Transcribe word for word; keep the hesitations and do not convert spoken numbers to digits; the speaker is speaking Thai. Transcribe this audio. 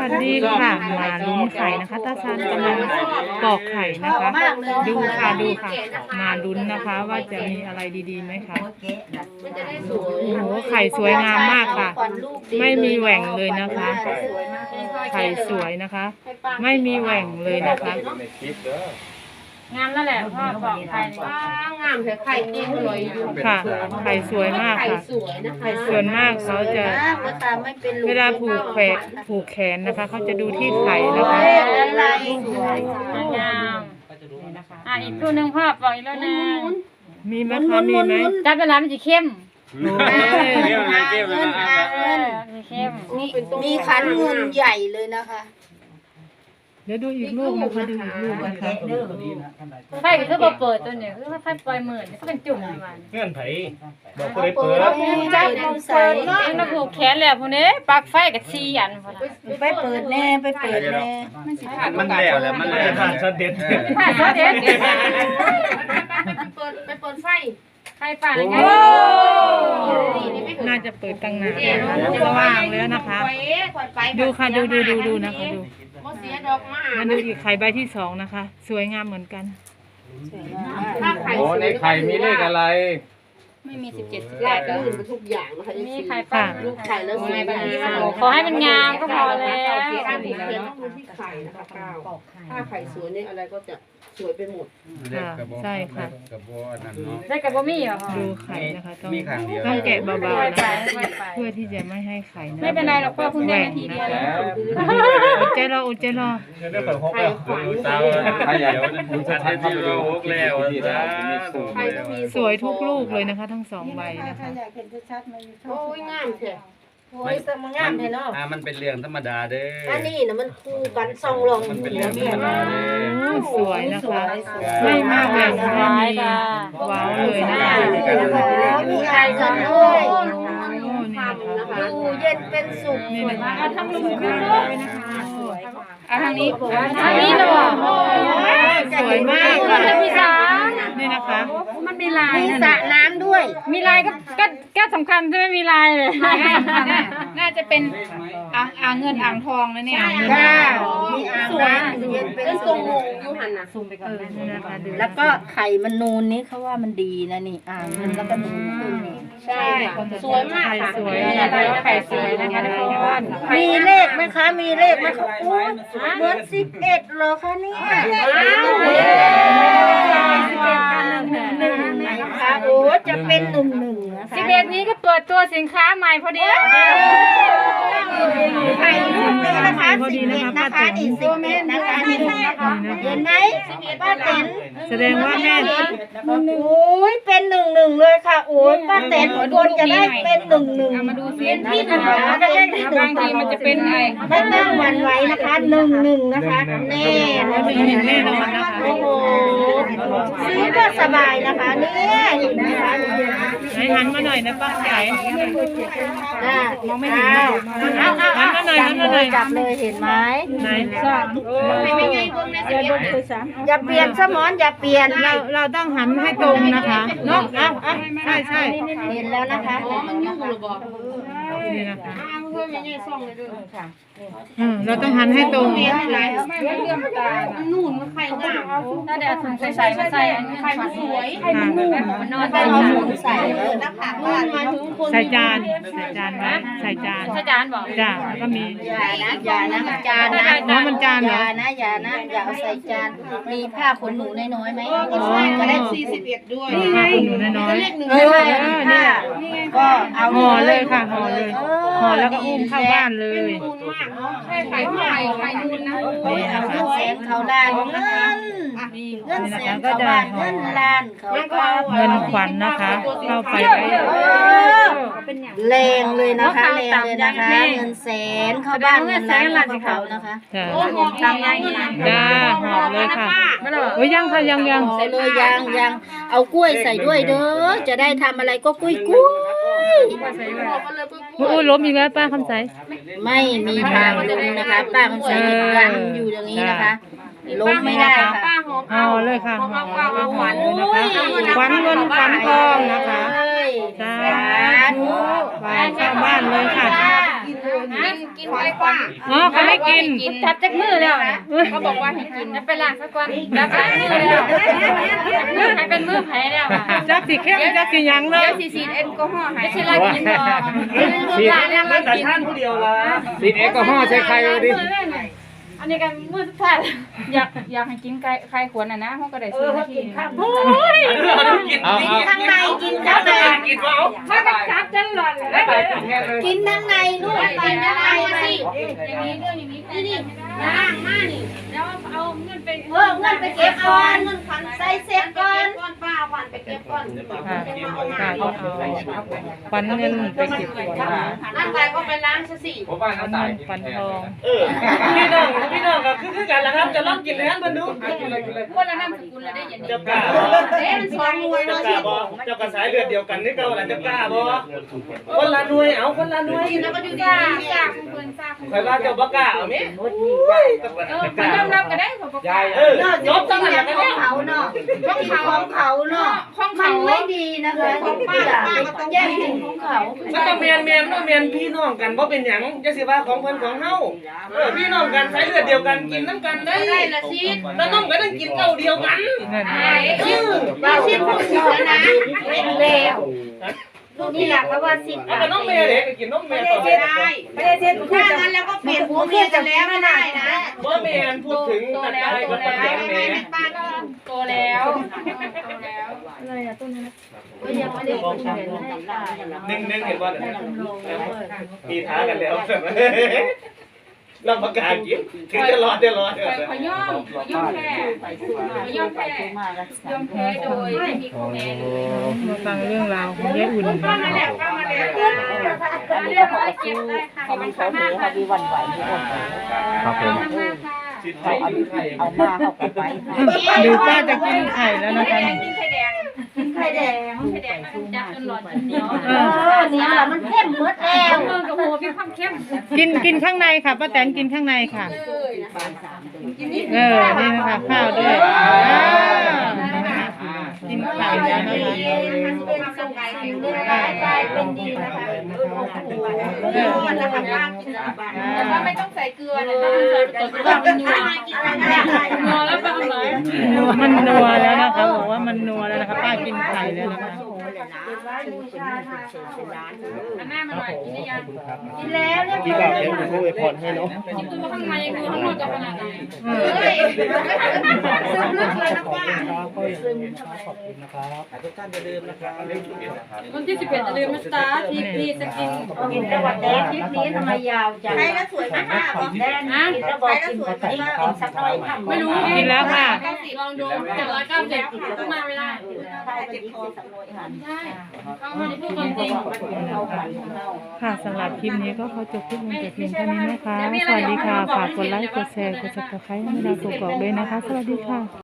วัสดีค่ะมาลุ้นไข่นะคะตาชาญกำลังปอกไข่นะคะดูค่ะดูค่ะมาลุ้นนะคะว่าจะมีอะไรดีๆไหมคะโอ้โหไข่สวยงามมากค่ะไม่มีแหว่งเลยนะคะไข่สวยนะคะ ไม่มีแหว่งเลยนะคะงามนั่นแหละพ่อบอกไข่งามแต่ไข่เก่งเลยค่ะไข่สวยมากค่ะส่วนมากเขาจะเวลาผูกแขนผูกแขนนะคะเขาจะดูที่ไข่นะคะงามอ่ะอีกตัวหนึ่งพ่อบอกอีกแล้วนะมีไหมคะมีไหมจับเวลามันจะเข้มโอ้ยมีขันเงินใหญ่เลยนะคะเดี๋ยวดูอีกลูกนะคะดูอีกลูกนะคะไฟก็คือเปิดตัวเนี่ยคือไฟปล่อยหมื่นก็เป็นจุ่มประมาณเงื่อนไขบอกก็ได้เปิดจับเราใส่เองเราผูกแขนแล้วพวกนี้ปลั๊กไฟกับซีอันไปเปิดแน่ไปเปิดแน่มันแล้วแล้วมันแล้วผ่านช็อตเด็ดผ่านช็อตเด็ดไปเปิดไปเปิดไฟไฟป่าอะไรไงน่าจะเปิดตั้งนานสว่างแล้วนะคะดูค่ะดูดูดูดูนะคะดูมาดูอีกไข่ใบที่สองนะคะ สวยงามเหมือนกันโอ้ในไข่มีเลขอะไรไม่มีสิบเจ็ดสิบแปดก็อื่นทุกอย่างนะคะมีไข่ป่าลูกไข่แล้วสวยแบบนี้ขอให้มันงามก็พอแล้วการผูกแขนต้องดูที่ไข่นะคะถ้าไข่สวยเนี่ยอะไรก็จะสวยไปหมดใช่ค่ะใช่กับบ่มีเหรอดูไข่นะคะต้องต้องแกะเบาๆนะเพื่อที่จะไม่ให้ไข่ไม่เป็นไรหรอกพ่อเพิ่งได้นาทีเดียวอดใจรออดใจรอไข่ขวัญเตาไข่ใหญ่คุณจะทำที่เราฮกแล้วสวยทุกลูกเลยนะคะทั้งสองใบนะคะโอ้ยงามแท้โอ้ยสมงามแท้เนาะอ่ามันเป็นเรื่องธรรมดาเด้ออันนี้นะมันคู่กันซองลองมันเป็นเรื่องธรรมดาเด้อสวยนะคะไม่มากเลยไม่มีว้าวเลยนะคะมีไข่กันด้วยดูเย็นเป็นสุขนี่นะคะทำลุงขึ้นเลยนะคะสวยอ่ะทางนี้ทางนี้นะบอกสวยมากมันจะมีสานี่นะคะมันมีลายมีสระน้ำด้วยมีลายก็ก็ก็สำคัญใช่ไหมมีลายเลยน่าจะเป็นอ่างอ่างเงินอ่างทองนะเนี่ยจ้ามีอ่างน้ำเย็นเป็นสุขยูหันนะซูมไปก่อนแล้วก็ไข่มันนูนนี้เขาว่ามันดีนะนี่อ่างเงินแล้วก็นูนขึ้นนี่ใช่สวยมากค่ะสวยไข่สวยนะคะทุกคนมีเลขไหมคะมีเลขไหมคะโอ้ยเหมือนสิบเอ็ดเหรอคะเนี่ยสิบเอ็ดกันหนึ่งหนึ่งนะคะโอ้จะเป็นหนึ่งหนึ่งนะคะสิบเอ็ดนี้ก็เปิดตัวสินค้าใหม่พอดีไข่ลูกนี้นะคะสิบเอ็ดนะคะนี่สิบเอ็ดนะคะนี่เห็นไหมป้าเต็นแสดงว่าแม่โอ้ยเป็นหนึ่งหนึ่งเลยค่ะโอ้ยป้าเต็นควรจะได้เป็นหนึ่งหนึ่งมาดูซิเป็นที่หนึ่งนะคะบางทีมันจะเป็นไงไม่ต้องหวั่นไหวนะคะหนึ่งหนึ่งนะคะแน่เห็นแน่นอนนะคะโอ้โหซื้อก็สบายนะคะเนี่ยเห็นไหมคะไหนหันมาหน่อยนะป้าไข่มองไม่เห็นเอาเอาหันมาหน่อยหันมาหน่อยจับเลยเห็นไหมไหนอย่าเปลี่ยนสมอนอย่าเปลี่ยนเราเราต้องหันให้ตรงนะคะเนาะเอาเอาใช่ใช่เห็นแล้วนะคะนี่นะคะเราต้องหันให้ตรงนู่นมันไข่งามถ้าเดี๋ยวถุงใส่ใส่ใส่ไข่มันสวยไข่มันนุ่มมันนอนได้เอาหมูใส่เลยนะคะใส่จานใส่จานไหมใส่จานใส่จานบอกจ้าแล้วก็มีอย่านะอย่านะมันจานนะน้ำมันจานเหรออย่านะอย่านะอย่าเอาใส่จานมีผ้าขนหนูน้อยๆไหมก็ได้สี่สิบเอ็ดด้วยนี่ไงหนูน้อยๆเออเนี่ยก็เอาห่อเลยค่ะห่อเลยห่อแล้วก็อุ้มเข้าบ้านเลยใช่ไข่ไข่ไข่นูนนะนี่นะคะแสนเขาล้านเงินเงินแสนเขาล้านเงินล้านเขาก็เงินขวัญนะคะเข้าไปแรงเลยนะคะแรงเลยนะคะเงินแสนเข้าบ้านเงินล้านของเขานะคะโอ้โหทำยังจ้าหอมเลยค่ะโอ้ยยังค่ะยังยังใส่เลยยังยังเอากล้วยใส่ด้วยเด้อจะได้ทำอะไรก็กล้วยกล้วยโอ้ล้มอีกแล้วป้าคำใสไม่มีทางล้มนะคะป้าคำใสยันอยู่อย่างนี้นะคะล้มไม่ได้ค่ะห่อเลยค่ะห่อแล้วขวัญนะคะขวัญเงินขวัญทองนะคะสาธุไปเข้าบ้านเลยค่ะกินไว้กว่าอ๋อเขาไม่กินจับจากมือแล้วนะเขาบอกว่าให้กินจะไปล้างสักวันจับจากมือแล้วมือใครเป็นมือไผ่แล้วอ่ะจักสีเข้มจักสีหยังเนาะเดี๋ยวสีสีแอลกอฮอล์ให้ไม่ใช่ล้างกินหรอกสีล้างแล้วล้างแต่กินท่านผู้เดียวละสีแอลกอฮอล์ใส่ใครเลยดิอันนี้กันมือสุดท้ายอยากอยากให้กินไก่ไข่ขวนอ่ะนะเขาก็ได้ซื้อมาทีโอ้ยเอาเอาข้างในกินข้างในกินว่าเอามากับจับจังหลอนเลยกินข้างในลูกกินข้างในสิอย่างนี้เรื่องอย่างนี้นี่นี่ล้างมานี่แล้วเอาเงินไปเออเงินไปเก็บก่อนเงินขวัญใส่เซ็ตก่อนก่อนป้าขวัญไปเก็บก่อนค่ะค่ะก็เอาปันเงินไปเก็บก่อนค่ะนั่นไปก็ไปล้างซะสิผมว่าปัน้าน ตายเงินปันทองเออพี่น้องพี่น้องก็คือคือกันแหละครับจะลองกินเลยครับเพิ่นดูคนละนามสกุลละได้อย่างนี้เจ้ากล้าเอ๊ะมันสองหน่วยเจ้าเนาะกล้าบ่เจ้ากระสายเลือดเดียวกันนี่เก่าล่ะเจ้ากล้าบ่คนละหน่วยเอาคนละหน่วยแล้วก็อยู่ดีทราบทราบเพื่อนทราบใครว่าเจ้าบ่กล้าเอาแม่เออมันยอมรับก็ได้ผมบอกเออเนาะยกจังขหอวะงกันเนี่ยเขาเนาะของเขาเนาะของมัเขานไม่ดีนะคะของป้าป้าก็ต้องแย่งกินของเขามันต้องแม่นแม่นเนาะแม่นพี่น้องกันบ่เป็นหยังจะสิว่าของเพิ่นของเฮาเออพี่น้องกันสายเลือดเดียวกันกินน้ำกันได้ได้ละสิแล้วน้องก็ต้องกินเก่าเดียวกันเงินเออเราสิพูดอยู่นะเป็นแล้วนี่แหละเพราะว่าสิเอาแต่น้องแม่เด็กกินน้องแม่ต่อไม่ได้ไม่ได้เซ็นถ้างั้นแล้วก็เปลี่ยนหัวเมียกันแล้วไม่ได้นะบ่แม่นพูดถึงนักได้ก็ต้องแม่แม่ป้าก็โตแล้วโตแล้วยังไม่ได้กินเลยหนึ่งหนึ่งเห็นบ่มีท้ากันแล้วเราประกาศกินถึงจะรอดจะรอดขอย่อมขอย่อมแพ้ขอย่อมแพ้ยอมแพ้โดยไม่มีข้อแม้เลยมาฟังเรื่องราวของยายอุ่นนะคะเรื่องอะไรเก็บได้ค่ะขอบคุณค่ะมากค่ะครับผมมากค่ะเอาเอาดูป้าจะกินไข่แล้วนะคะกินไข่แดงไข่แดงไข่แดงมันจับจนหลอดเหนียวเออเนี่ยแหละมันเข้มหมดแล้วเมืองกับโหมีความเข้มกินกินข้างในค่ะป้าแตนกินข้างในค่ะ เออนี่นะคะข้าวด้วยอ่ากินไข่แล้วนะคะเป็นสงไก่แข็งเลยกลายเป็นดีนะคะเออมันจะทำบ้านกินบ้านแต่ว่าไม่ต้องใส่เกลือนะคะใส่ไปก่อนก็ได้นัวนัวแล้วฟังหน่อยมันนัวแล้วนะคะบอกว่ามันนัวแล้วนะคะป้ากินไข่แล้วนะคะอันหน้ามาหน่อยกินได้ยังกินแล้วเรียบพี่ร้ก็อยเดี๋ยวจะโทรไปพรให้เนาะกินตัวข้างในดูข้างนอกจะขนาดไหนเออซึมลึกเลยนะป้าวันที่สิบเอ็ดอย่าลืมนะจ๊ะทีพีสกินกินจังหวัดแดงคลิปนี้ทำไมยาวจังใครก็สวยมากแดงนะกินแล้วบอกกินแบบนี้กินสักหน่อยค่ะไม่รู้กินแล้วค่ะเก้าสิบลองดูเจ็ดร้อยเก้าสิบต้องมาไม่ได้ใช่เป็นคอสักหน่อยค่ะใช่เขาไม่ได้พูดความจริงค่ะสำหรับคลิปนี้ก็ขอจบคลิปลงแต่เพียงเท่านี้นะคะ สวัสดีค่ะ ฝากกดไลค์ กดแชร์ กดซับสไครต์ให้เราถูกบอกด้วยนะคะ สวัสดีค่ะ